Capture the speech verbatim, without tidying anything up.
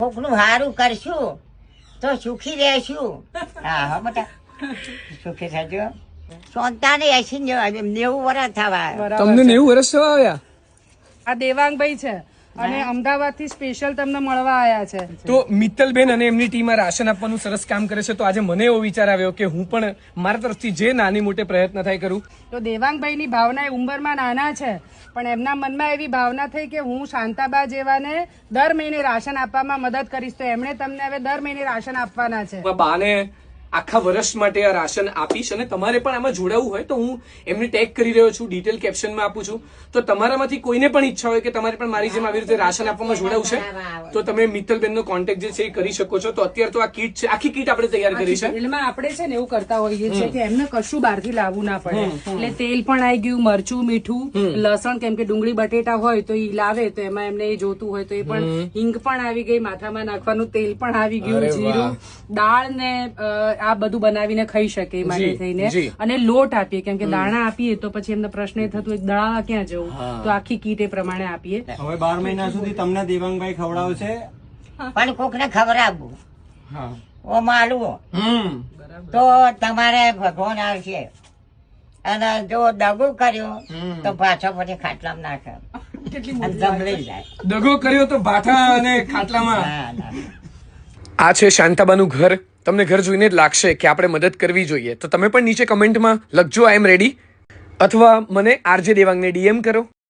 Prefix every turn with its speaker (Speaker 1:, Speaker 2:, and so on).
Speaker 1: કોકનું સારું કરશું તો સુખી રહેશું. હા હા બેટા સુખી થજો. સોનતાને એસી નેવું વર્ષ થવા.
Speaker 2: તમને નેવું વર્ષ થવા આવ્યા?
Speaker 3: આ દેવાંગભાઈ છે અને અમદાવાદ થી સ્પેશિયલ તમને મળવા આયા છે.
Speaker 2: તો મિત્તલબેન અને એમની ટીમ આ રાશન આપવાનું સરસ કામ કરે છે. તો આજે મને એવો વિચાર આવ્યો કે હું પણ મારા તરફથી જે નાની મોટે પ્રયત્ન થાય કરું.
Speaker 3: તો દેવાંગભાઈ ની ભાવના એ ઉંમરમાં નાના છે પણ એમના મનમાં એવી ભાવના થઈ કે હું શાંતાબા જેવાને દર મહિને રાશન આપવામાં મદદ કરીશ. તો એમણે તમને હવે દર મહિને રાશન આપવાના છે.
Speaker 2: બાને આખા વર્ષ માટે આ રાશન આપીશ અને તમારે પણ આમાં જોડાવું હોય તો હું એમને ટેગ કરી રહ્યો છું, ડિટેલ કેપ્શનમાં આપું છું. તો તમારામાંથી કોઈને પણ ઈચ્છા હોય કે તમારે પણ મારી જેમ આવી રીતે રાશન આપવામાં જોડાવું છે તો તમે મિત્તલબેનનો કોન્ટેક્ટ જે છે એ કરી શકો છો. તો અત્યારે તો આ કીટ છે, આખી કીટ આપણે તૈયાર કરી છે.
Speaker 3: એમાં આપણે છે ને એવું કરતા હોઈએ છીએ કે એમને કશું બહારથી લાવવું ના પડે. એટલે તેલ પણ આવી ગયું, મરચું, મીઠું, લસણ, કેમ કે ડુંગળી બટેટા હોય તો એ લાવે તો એમાં એમને એ જોતું હોય તો એ પણ, હિંગ પણ આવી ગઈ, માથામાં નાખવાનું તેલ પણ આવી ગયું, જીરું, દાળ ને આ બધું બનાવીને ખાઈ શકે એ માટે થઈને. અને લોટ આપીએ કેમ કે દાણા આપીએ તો પછી એમને પ્રશ્ન એ થતું હોય દળાવા ક્યાં જવું, તો આખી કીટ એ પ્રમાણે આપીએ.
Speaker 4: હવે બાર મહિના સુધી તમને દેવાંગભાઈ ખવડાવશે
Speaker 1: પણ કોક ને ખબર આપવું ઓ માલવું તો તમારે ભગવાન આવશે. અને જો દગો કર્યો તો પાછો પછી ખાટલામાં નાખે જમલી જાય.
Speaker 2: દગો કર્યો તો ભાઠા અને ખાટલામાં.
Speaker 1: ના ના
Speaker 2: આ છે શાંતાબાનું ઘર. તમને ઘર જોઈને જ લાગશે કે આપણે મદદ કરવી જોઈએ. તો તમે પણ નીચે કમેન્ટમાં લખજો આઈ એમ રેડી, અથવા મને આરજે દેવાંગને ડીએમ કરો.